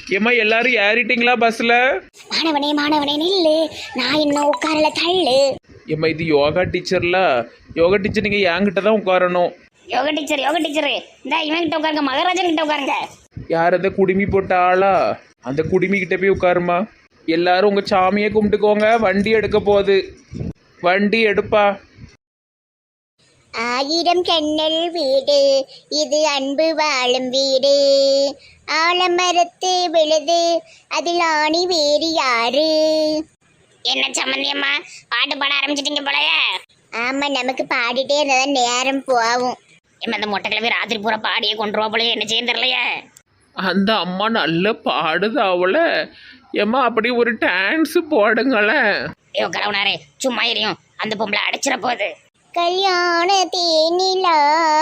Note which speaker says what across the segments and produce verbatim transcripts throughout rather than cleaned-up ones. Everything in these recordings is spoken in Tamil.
Speaker 1: ஏம்மா எல்லாரும் ஏறிட்டீங்களா பஸ்ல?
Speaker 2: மாணவனே மாணவனே நில்லு, நான் இன்னும் உட்காரல, தள்ளு.
Speaker 1: ஏம்மா இது யோகா டீச்சர்ல, யோகா டீச்சர் நீங்க என்கிட்ட தான் உட்காரணும்.
Speaker 2: யோகா டீச்சர் யோகா டீச்சர் இந்த இவன் கிட்ட உட்காருங்க, மகாராஜன் கிட்ட உட்காருங்க.
Speaker 1: யார் அந்த குடுமி போட்ட ஆளா? அந்த குடுமி கிட்ட போய் உட்காருமா. எல்லாரும் உங்க சாமியை கும்பிட்டுக்கோங்க, வண்டி எடுக்க போகுது. வண்டி எடுப்பா.
Speaker 2: ஆயிரம் கண்ணல் வீடு இது, அன்பு வாழும் வீடு. ஆலமரத்து விழுது அதில் ஆணி வேறு யாரு? என்ன சம்மந்தியம்மா பாட்டு பாட ஆரம்பிச்சிட்டீங்க போலயே? ஆமா, நமக்கு பாடிட்டே இருந்தாதான் நேரம் போகும். ஏமா இந்த மொட்டை கிழமை ராத்திரி பூரா பாடியே கொண்டுருவா போலயே, என்ன செய்ய தெரியலையே.
Speaker 1: அந்த அம்மா நல்ல பாடுது அவள. ஏம்மா அப்படி ஒரு டான்ஸ் போடுங்களேன்.
Speaker 2: ஐயோ கலவனாரே சும்மா எரியும், அந்த பொம்பளை அடைச்சிட போகுது. கல்யாண தேனிலா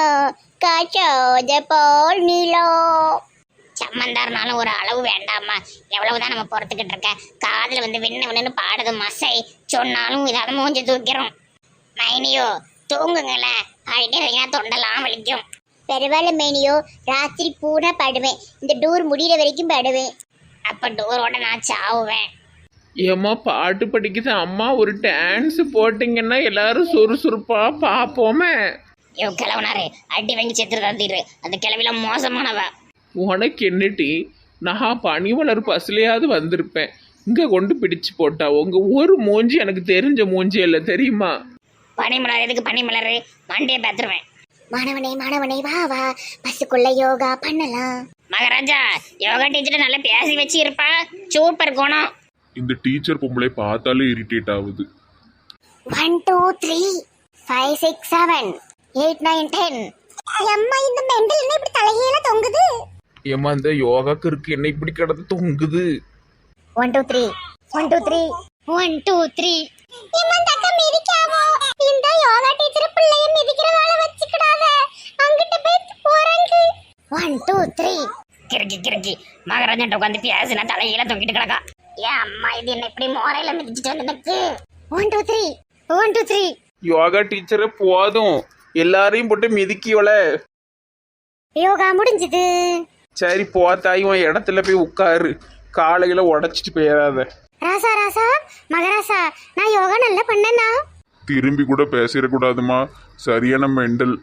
Speaker 2: காச்சாத பால் நிலா. சம்மந்தாருனாலும் ஒரு அளவு வேண்டாமா? எவ்வளவுதான் நம்ம பொறுத்துக்கிட்டு இருக்க? காதில் வந்து விண்ணு விண்ணுன்னு பாடுது மசை, சொன்னாலும் இதாவது மூஞ்சி தூக்கிறோம். மைனியோ தூங்குங்களேன், பாடிட்டே இருந்தீங்கன்னா தொண்டெல்லாம் வலிக்கும். பரவாயில்ல மைனியோ, ராத்திரி பூரா பாடுவேன், இந்த டூர் முடிகிற வரைக்கும் பாடுவேன். அப்போ டூரோட நான் சாவுவேன்.
Speaker 1: ஏம்மா பாட்டு படிக்குது அம்மா, ஒரு டான்ஸ் போட்டிங்கன்னா எல்லாரும் சுறுசுறுப்பா பார்ப்போமே.
Speaker 2: ஐயோ கிழவனாரே அடி வாங்கி செத்துரு தந்திரு, அந்த கிழவில மோசமானவ.
Speaker 1: உனக்கு என்னட்டி, நான் பனிமலர் பஸ்லையாவது வந்திருப்பேன், இங்கே கொண்டு பிடிச்சு போட்டா. உங்க ஒரு மூஞ்சி எனக்கு தெரிஞ்ச மூஞ்சி இல்லை தெரியுமா?
Speaker 2: பனிமலர் எதுக்கு பனிமலர், மண்டையை பார்த்துருவேன். மாணவனே மாணவனே வா வா, பஸ்ஸுக்குள்ள யோகா பண்ணலாம். மகாராஜா யோகா டீச்சர் நல்லா பேசி வச்சு இருப்பா, சூப்பர் குணம்.
Speaker 3: இந்த டீச்சர் பொம்பளை பார்த்தாலே இரிட்டேட் ஆகுது.
Speaker 2: One two three five six seven eight nine ten. அம்மா இந்த மெண்டல் என்ன இப்படி தலைகீழ தொங்குது?
Speaker 1: ஏம்மா இந்த யோகாக்கு இருக்கு என்ன இப்படி கிடந்து தொங்குது?
Speaker 2: One two three one two three one two three. ஏம்மா தக்க மிதிக்காமோ, இந்த யோகா டீச்சர் பிள்ளைய மிதிக்கிற வேலை வச்சுக்கிடாத, அங்கிட்ட போய் போறங்க. One two three. கிறுக்கி கிறுக்கி மகாராஜன் உட்காந்து பேசினா தலையில தொங்கிட்டு கிடக்கா. ஏன் அம்மா இது என்ன இப்படி மோரையில மிதிச்சுட்டு வந்து எனக்கு? One two three one two three.
Speaker 1: Yoga டீச்சரை போதும், எல்லாரையும் போட்டு மிதிக்கிவல.
Speaker 2: யோகா முடிஞ்சது.
Speaker 1: சரி போ தாய், உன் இடத்துல போய் உட்காரு, காலையில உடைச்சிட்டு போயிடாத.
Speaker 2: ராசா ராசா மகாராசா, நான் யோகா நல்லா பண்ணேனா?
Speaker 3: திரும்பி கூட பேசிடக்கூடாதுமா, சரியான மெண்டல்.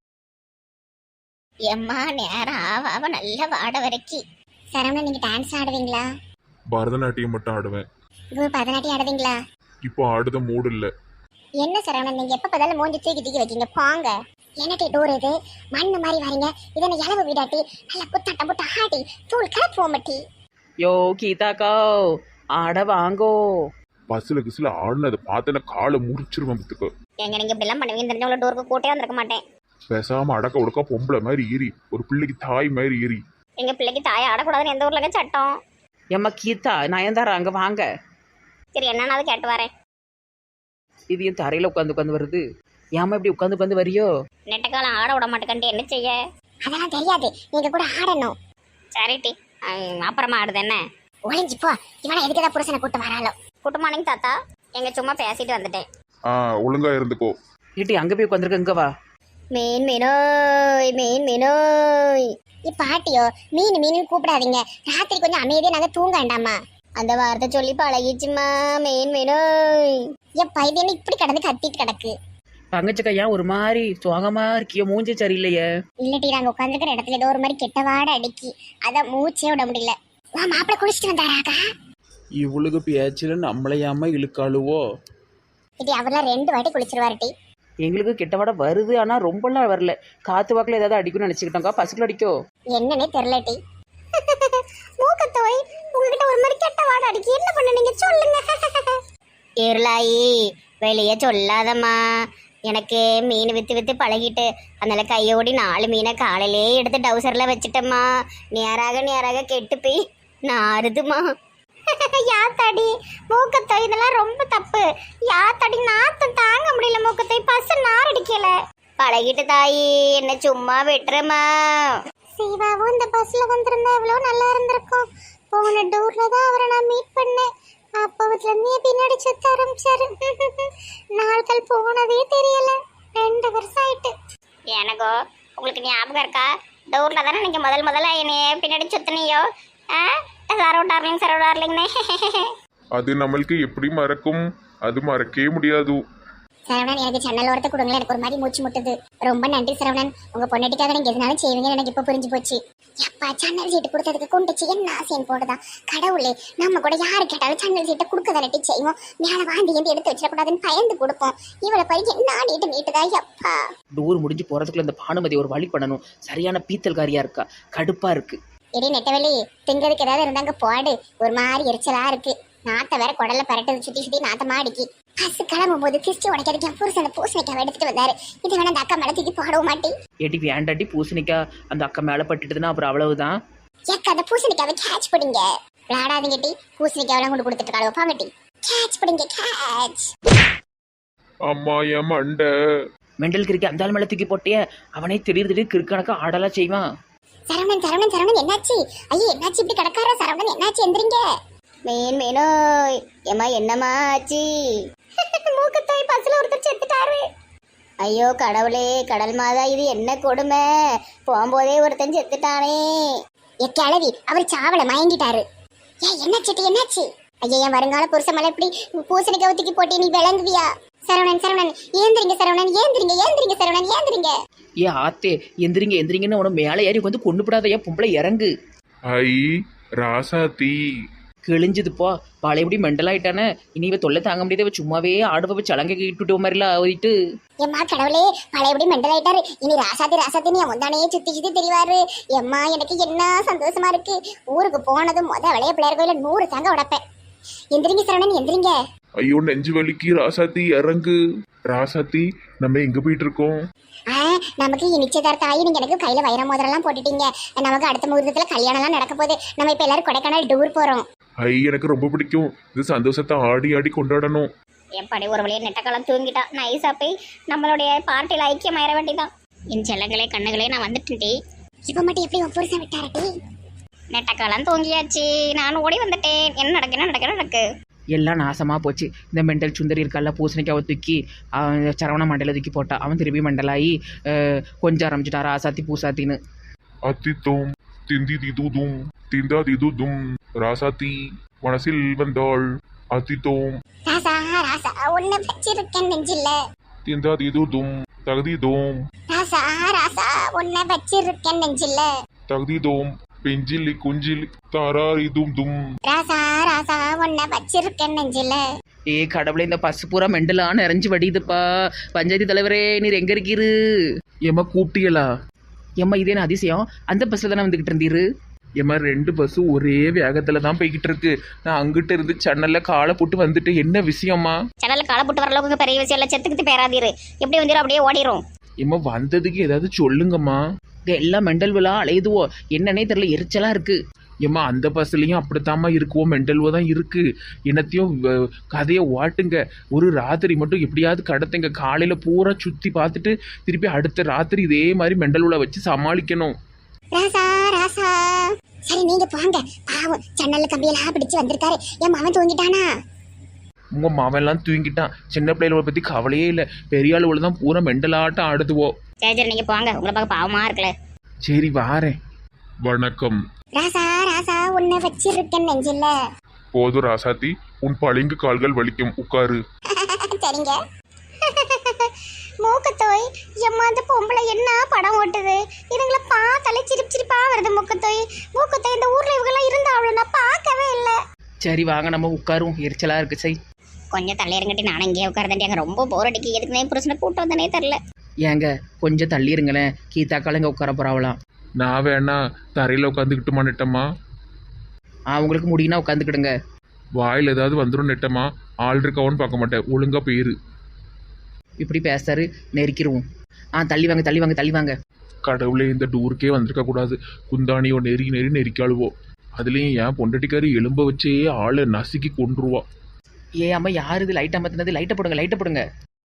Speaker 2: எம்மா நேரம் ஆவ நல்ல வாட வரைக்கும். சரவணா நீங்க டான்ஸ் ஆடுவீங்களா?
Speaker 3: பரதநாட்டியம் மட்டும் ஆடுவேன்.
Speaker 2: இப்போ பரதநாட்டியம் ஆடுவீங்களா?
Speaker 3: இப்போ ஆடுத மூடு இல்ல.
Speaker 2: என்ன சரவணன் நீங்க எப்ப பதில மூஞ்சி தூக்கி தூக்கி வைக்கீங்க போங்க. என்னட்டி டூர் இது, மண்ணு மாதிரி வரீங்க, இதனை இளவு விடாட்டி நல்லா புத்தாட்டம் புத்த ஆடி தூள் கலப்பு போமட்டி.
Speaker 4: யோ கீதாக்கா ஆட வாங்கோ.
Speaker 3: பஸ்ல கிஸ்ல ஆடுனதை பார்த்தன காலை முறிச்சிருவேன் பத்துக்கு.
Speaker 2: எங்க நீங்க இப்படி எல்லாம் பண்ணுவீங்க தெரிஞ்சவங்கள டூருக்கு கூட்டே வந்திருக்க மாட்டேன்.
Speaker 3: பேசாம அடக்க உடக்கா பொம்பளை மாதிரி ஏறி, ஒரு பிள்ளைக்கு தாய் மாதிரி ஏறி.
Speaker 2: எங்க பிள்ளைக்கு தாயை ஆடக்கூடாதுன்னு எந்த ஊர்ல சட்டம்?
Speaker 4: ஏம்மா கீதா நயன்தாரா அங்கே வாங்க.
Speaker 2: சரி என்னன்னு கேட்டு வரேன்.
Speaker 4: இது என் தரையில் உட்காந்து உட்காந்து வருது, ஏமா இப்படி உட்காந்து உட்காந்து வரியோ?
Speaker 2: நெட்டக்காலம் ஆட விட மாட்டேன்ட்டு என்ன செய்ய? அதெல்லாம் தெரியாது, நீங்க கூட ஆடணும். சரிட்டி அப்புறமா ஆடுது என்ன? ஒளிஞ்சு போ, இவனை எதுக்குதான் புருஷனை கூட்டு வராளோ. குட் மார்னிங் தாத்தா, எங்க சும்மா பேசிட்டு வந்துட்டேன்.
Speaker 3: ஆ ஒழுங்கா இருந்துக்கோ.
Speaker 4: ஏட்டி அங்கே போய் உட்காந்துருக்க, இங்கே வா.
Speaker 2: மீன் மீனோய் மீன் மீனோய். பாட்டியோ மீன் மீன் கூப்பிடாதீங்க, ராத்திரி கொஞ்சம் அமைதியா நாங்க தூங்க வேண்டாமா? அந்த வார்த்தை சொல்லி பழகிச்சுமா. மீன் மீனோய். என் பையன் இப்படி கிடந்து கத்திட்டு கிடக்கு.
Speaker 4: தங்கச்சக்கா ஏன் ஒரு மாதிரி சுகமா இருக்கியோ, மூஞ்சி சரியில்லையே?
Speaker 2: இல்லட்டி நாங்க உட்காந்துக்கிற இடத்துல ஏதோ ஒரு மாதிரி கெட்ட வாட அடிக்கி, அதான் மூச்சே விட முடியல. வா மாப்பிள்ள குளிச்சுட்டு வந்தாராக்கா?
Speaker 1: இவளுக்கு பேச்சுல நம்மளையாம இழுக்காளுவோ?
Speaker 2: இது அவர்லாம் ரெண்டு வாட்டி குளிச்சிருவாருட்டி.
Speaker 4: எங்களுக்கு கெட்டவாட வருது, ஆனால் ரொம்பலாம் வரல. காத்து வாக்கில் ஏதாவது அடிக்கும்னு நினச்சிக்கிட்டோங்க்கா, பசுக்குள்ள அடிக்கோ
Speaker 2: என்னன்னே தெரிலட்டி. மூக்கத்தோய் உங்ககிட்ட ஒரு மாதிரி கெட்ட வாட அடிக்கி, என்ன பண்ண நீங்க சொல்லுங்க. இருளாயி வெளியே சொல்லாதம்மா, எனக்கு மீன் வித்து வித்து பழகிட்டு அதனால கையோடி நாலு மீனை காலையிலே எடுத்து டவுசர்ல வச்சுட்டம்மா. நேராக நேராக கெட்டு போய் நாறுதுமா. யாத்தாடி மூக்கத்தோய், இதெல்லாம் ரொம்ப தப்பு. யாத்தாடி நாத்தம் தாங்க முடியல, மூக்கத்தோய் பசு நார் அடிக்கல. பழகிட்டு தாயி, என்ன சும்மா விட்டுறமா. சிவாவும் இந்த பஸ்ல வந்திருந்தா எவ்வளவு நல்லா இருந்திருக்கும். போன டூர்ல தான் அவரை நான் மீட் பண்ணேன். அப்போதுல இருந்து பின்னாடி சுத்த ஆரம்பிச்சாரு. நாட்கள் போனதே தெரியல, ரெண்டு வருஷம் ஆயிட்டு. எனக்கோ உங்களுக்கு ஞாபகம் இருக்கா? டூர்ல தானே நீங்க முதல் முதல்ல என்னைய பின்னாடி சுத்தினியோ? சரோ டார்லிங் சரோ டார்லிங்னே.
Speaker 3: அது நம்மளுக்கு எப்படி மறக்கும்? அது மறக்கவே முடியாது.
Speaker 2: சரவணன் எனக்கு ஜன்னல் ஓரத்தை கொடுங்களேன், எனக்கு ஒரு மாதிரி மூச்சு முட்டுது. ரொம்ப நன்றி சரவணன், உங்க பொண்ணாட்டிக்காக நீங்க எதுனாலும் செய்வீங்கன்னு எனக்கு இப்ப புரிஞ்சு போச்சு. எப்பா ஜன்னல் சீட்டு கொடுத்ததுக்கு கொண்டுச்சு என்ன ஆசைன்னு போடுதான் கடவுளே. நம்ம கூட யாரு கேட்டாலும் ஜன்னல் சீட்டை கொடுக்க தானட்டி செய்வோம். மேல வாந்தி எந்த எடுத்து வச்சிடக்கூடாதுன்னு பயந்து கொடுப்போம். இவளை பறி என்ன நீட்டு நீட்டுதா எப்பா.
Speaker 4: டூர் முடிஞ்சு போறதுக்குள்ள இந்த பானுமதி ஒரு வழி பண்ணணும். சரியான பீத்தல்காரியா இருக்கா, கடுப்பா இருக்கு.
Speaker 2: இடி நெட்டவெளி திங்கிறதுக்கு ஏதாவது இருந்தாங்க போடு. ஒரு மாதிரி எரிச்சலா இருக்கு. நாத்த வேற குடல்ல பரட்டது சுத்தி சுத்தி நாத்தமா அடிக்கி. பஸ் கிளம்பும் போது கிறிஸ்டி உடைக்கிறதுக்கு என் புருஷன் பூசணிக்காவை எடுத்துட்டு வந்தாரு. இது வேணா அந்த அக்கா மேல தூக்கி போடவும் மாட்டி.
Speaker 4: ஏட்டி வேண்டாட்டி பூசணிக்கா அந்த அக்கா மேல பட்டுட்டுதுன்னா அப்புறம் அவ்வளவுதான்.
Speaker 2: ஏக்கா அந்த பூசணிக்காவை கேட்ச் பிடிங்க. விளாடாதீங்க டி, பூசணிக்காவெல்லாம் கொண்டு கொடுத்துட்டு இருக்காளோ பாங்கட்டி. கேட்ச் பிடிங்க கேட்ச்.
Speaker 3: அம்மா என் மண்டை.
Speaker 4: மெண்டல் கிறுக்கி அந்த ஆள் மேல தூக்கி போட்டிய அவனே திடீர் திடீர் கிறுக்கணக்கா ஆடலாம் செய்வான்.
Speaker 2: சரவணன் சரவணன் சரவணன் என்னாச்சு? ஐயோ என்னாச்சு இப்படி கிடக்காரா? சரவணன் என்னாச்சு? எந்திரிங்க. மீன் மீனோய் ஏமா என்னமா ஆச்சு? மூக்கத்தோய் பஸ்ல ஒருத்தர் செத்துட்டாரு. ஐயோ கடவுளே, கடல் மாதா இது என்ன கொடுமை. போகும்போதே ஒருத்தன் செத்துட்டானே. ஏ கிழவி, அவர் சாவல மயங்கிட்டாரு. ஏ என்னாச்சு என்னாச்சு? ஐயா என் வருங்கால புருஷ மேல இப்படி பூசணிக்காய் ஊத்திக்கி போட்டி நீ விளங்குவியா? சரவணன் சரவணன் ஏந்திரிங்க சரவணன் ஏந்திரிங்க ஏந்திரிங்க சரவணன் ஏந்திரிங்க.
Speaker 4: ஏ ஆத்தே எந்திரிங்க எந்திரிங்கன்னு உன மேலே ஏறி வந்து கொண்டு போடாத ஏன் பொம்பளை இறங்கு.
Speaker 3: ஐ ராசாத்தி
Speaker 4: கிழிஞ்சதுப்பா பழையபடி மெண்டல் ஆயிட்டானே. இனி இவ தொல்லை தாங்க முடியாத சும்மாவே ஆடுபவ சலங்கை கிட்டு மாதிரிலாம் ஆகிட்டு.
Speaker 2: எம்மா கடவுளே, பழையபடி மெண்டல் ஆயிட்டாரு. இனி ராசாதி ராசாத்தி நீ முந்தானையே சுத்தி சுத்தி தெரிவாரு. எம்மா எனக்கு என்ன சந்தோஷமா இருக்கு. ஊருக்கு போனதும் முத விளைய பிள்ளையார் கோயில நூறு தாங்க உடப்பேன். எந்திரிங்க சரவணன் எந்திரிங்க.
Speaker 3: ஐயோ நெஞ்சு வலிக்கு. ராசாத்தி இறங்கு. ராசாத்தி நம்ம எங்க போயிட்டு இருக்கோம்?
Speaker 2: ஆ நமக்கு நிச்சயதார்த்தம் ஆகி நீங்க எனக்கு கையில வைர மோதிரம்லாம் போட்டுட்டீங்க. நமக்கு அடுத்த முகூர்த்தத்துல கல்யாணம் எல்லாம் நடக்க போகுது. நம்ம இப்ப எல்லாரும் கொடைக்கானல் டூர் போறோம்.
Speaker 3: ஐ எனக்கு ரொம்ப பிடிக்கும். இது சந்தோஷத்தை ஆடி ஆடி கொண்டாடணும்.
Speaker 2: எப்படி ஒரு வழியை நெட்டக்காலம் தூங்கிட்டா நைஸா போய் நம்மளுடைய பார்ட்டியில் ஐக்கியமாயிர வேண்டிதான். என் செல்லங்களே கண்ணுகளே நான் வந்துட்டேன்டி. இப்ப மட்டும் எப்படி உன் புருஷன் விட்டாரட்டி? நெட்டக்காலம் தூங்கியாச்சு, நான் ஓடி வந்துட்டேன். என்ன நடக்கு என்ன நடக்கு நடக்கு
Speaker 4: எல்லாம் நாசமாக போச்சு. இந்த மெண்டல் சுந்தரி இருக்கால பூசணிக்காவை தூக்கி அவன் சரவண மண்டல தூக்கி போட்டா. அவன் திருப்பி மண்டலாகி கொஞ்சம் ஆரம்பிச்சுட்டாரா ஆசாத்தி பூசாத்தின்னு.
Speaker 3: அத்தித்தோம் திந்தி திதுதும் திந்தா திதுதும் ராசாத்தி மனசில் வந்தாள். அத்தித்தோம்
Speaker 2: ராசா ராசா ஒன்னு வச்சிருக்கேன் நெஞ்சில்ல.
Speaker 3: திந்தா திதுதும் தகுதிதோம்
Speaker 2: ராசா ராசா ஒன்னு வச்சிருக்கேன் நெஞ்சில்ல.
Speaker 3: தகுதிதோம் பெஞ்சில் குஞ்சில் தாராரிதும் தும்.
Speaker 2: ராசா ராசா ஒன்ன வச்சிருக்கேன் நெஞ்சில.
Speaker 4: ஏ கடவுளே, இந்த பசு பூரா மெண்டலான்னு நிறைஞ்சு வடியுதுப்பா. பஞ்சாயத்து தலைவரே நீர் எங்க இருக்கீரு?
Speaker 1: ஏம்மா கூப்பிட்டீங்களா?
Speaker 4: ஏம்மா இதே என்ன அதிசயம், அந்த பஸ்ல தானே வந்துகிட்டு இருந்தீரு.
Speaker 1: ஏம்மா ரெண்டு பஸ்ஸு ஒரே வேகத்துல தான் போய்கிட்டு இருக்கு. நான் அங்கிட்ட இருந்து சன்னல்ல காலை போட்டு வந்துட்டு என்ன விஷயம்மா?
Speaker 2: சன்னல்ல காலை போட்டு வர அளவுக்கு பெரிய விஷயம் இல்லை. செத்துக்கிட்டு பேராதீரு. எப்படி வந்துடும் அப்படியே ஓடிரும்.
Speaker 1: ஏம்மா வந்ததுக்கு ஏதாவது சொல்லுங்கம்மா.
Speaker 4: எல்லாம் மெண்டல் விழா அலையுதுவோ என்னன்னே தெரியல, எரிச்சலா இருக்கு.
Speaker 1: ஏம்மா அந்த பஸ்லையும் அப்படித்தாம்மா இருக்குவோம், மெண்டல்வோ தான் இருக்கு. என்னத்தையும் கதையை ஓட்டுங்க. ஒரு ராத்திரி மட்டும் எப்படியாவது கடத்துங்க. காலையில பூரா சுத்தி பார்த்துட்டு திருப்பி அடுத்த ராத்திரி இதே மாதிரி மெண்டல்வா வச்சு சமாளிக்கணும்.
Speaker 2: ராசா ராசா சரி நீங்க போங்க. பாவம் சன்னல்ல கம்பியெல்லாம் பிடிச்சு வந்திருக்காரு. என் மகன் தூங்கிட்டானா?
Speaker 1: உங்க மாவெல்லாம் தூங்கிட்டான். சின்ன பிள்ளைகளை பத்தி கவலையே இல்லை. பெரிய ஆளுகளை தான் பூரா மெண்டலாட்டம் ஆடுதுவோம்.
Speaker 2: சரி சரி நீங்க போங்க, உங்களை பார்க்க பாவமா இருக்கல.
Speaker 1: சரி வாரேன்.
Speaker 3: வணக்கம்.
Speaker 2: ராசா ராசா உன்னை வச்சிருக்கேன் நெஞ்சில்ல.
Speaker 3: போதும் ராசாத்தி, உன் பளிங்கு கால்கள் வலிக்கும், உட்காரு.
Speaker 2: சரிங்க. மூக்கத்தோய் எம்மா அந்த பொம்பளை என்ன படம் ஓட்டுது. இதுங்களை பார்த்தாலே சிரிப்பு சிரிப்பா வருது. மூக்கத்தோய் மூக்கத்தோய் இந்த ஊர்ல இவங்கெல்லாம் இருந்தாலும் நான் பார்க்கவே இல்லை.
Speaker 4: சரி வாங்க நம்ம உட்காரும், எரிச்சலா இருக்கு. சரி
Speaker 2: கொஞ்சம் தள்ளி இருங்கட்டி நானும் இங்கே உட்காரதாண்டி. அங்கே ரொம்ப போர் அடிக்கி. எதுக்குனே புருஷனை கூட்டு வந்தனே தெரில.
Speaker 4: ஏங்க கொஞ்சம் தள்ளி இருங்களேன், கீதாக்கால இங்கே உட்கார போறாவலாம்.
Speaker 1: நான் வேணா தரையில் உட்காந்துக்கிட்டுமா நெட்டம்மா?
Speaker 4: ஆ உங்களுக்கு முடியும்னா உட்காந்துக்கிடுங்க.
Speaker 1: வாயில் ஏதாவது வந்துடும் நெட்டம்மா. ஆள் இருக்காவோன்னு பார்க்க மாட்டேன், ஒழுங்கா போயிரு.
Speaker 4: இப்படி பேசாரு நெருக்கிடுவோம். ஆ தள்ளி வாங்க தள்ளி வாங்க தள்ளி வாங்க.
Speaker 1: கடவுளே, இந்த டூருக்கே வந்திருக்க கூடாது. குந்தாணியோ நெருகி நெறி நெரிக்காளுவோ. அதுலேயும் ஏன் பொண்டட்டிக்காரி எலும்ப வச்சே ஆளை நசுக்கி கொண்டுருவா.
Speaker 4: ஏ அம்மா யார் இது லைட் அமர்த்தினது? லைட்டை போடுங்க லைட்டை போடுங்க.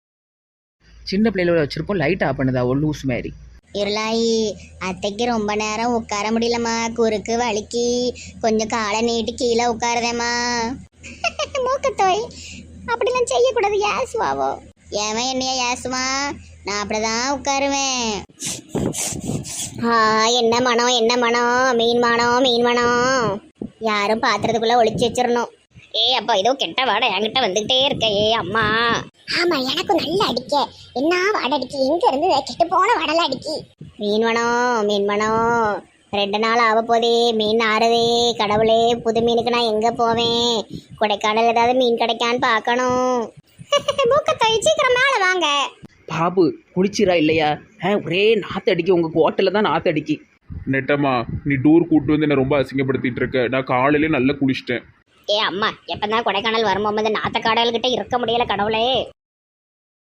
Speaker 4: சின்ன பிள்ளைகளோட வச்சிருப்போம், லைட் ஆஃப் பண்ணுதா ஒரு லூஸ் மாதிரி.
Speaker 2: இருளாயி அத்தைக்கு ரொம்ப நேரம் உட்கார முடியலம்மா. குறுக்கு வலிக்கு கொஞ்சம் காலை நீட்டி கீழே உட்காருதேம்மா. மூக்கத்தோய் அப்படிலாம் செய்யக்கூடாது. ஏசுவாவோ ஏன் என்னையா ஏசுமா? நான் அப்படிதான் உட்காருவேன். ஆ என்ன மனம் என்ன மனம்? மீன் மனம் மீன் மனம். யாரும் பாத்திரத்துக்குள்ள ஒளிச்சு வச்சிடணும். ஏ அப்பா ஏதோ கெட்ட வாடை என்கிட்ட வந்துகிட்டே இருக்க. ஏ அம்மா. ஆமா எனக்கும் நல்ல அடிக்க. என்ன வாடை அடிக்கி? எங்க இருந்து கெட்டு போன வாடல அடிக்கி. மீன் வேணும் மீன் வேணும். ரெண்டு நாள் ஆக போதே மீன் ஆறுதே. கடவுளே புது மீனுக்கு நான் எங்க போவேன்? கொடைக்கானல் ஏதாவது மீன் கிடைக்கான்னு பார்க்கணும். மூக்கத்தை சீக்கிரம் மேல வாங்க.
Speaker 4: பாபு குளிச்சிரா இல்லையா? ஆ ஒரே நாற்று அடிக்கி, உங்கள் ஹோட்டலில் தான் நாற்று அடிக்கி.
Speaker 3: நெட்டம்மா நீ டூர் கூட்டு வந்து என்ன ரொம்ப அசிங்கப்படுத்திட்டு இருக்க. நான் காலையிலே நல்லா குளிச்சிட்டேன்.
Speaker 2: ஏ அம்மா எப்பதான் கொடைக்கானல் வரும்போது நாத்த காடல்கிட்ட இருக்க முடியல கடவுளே.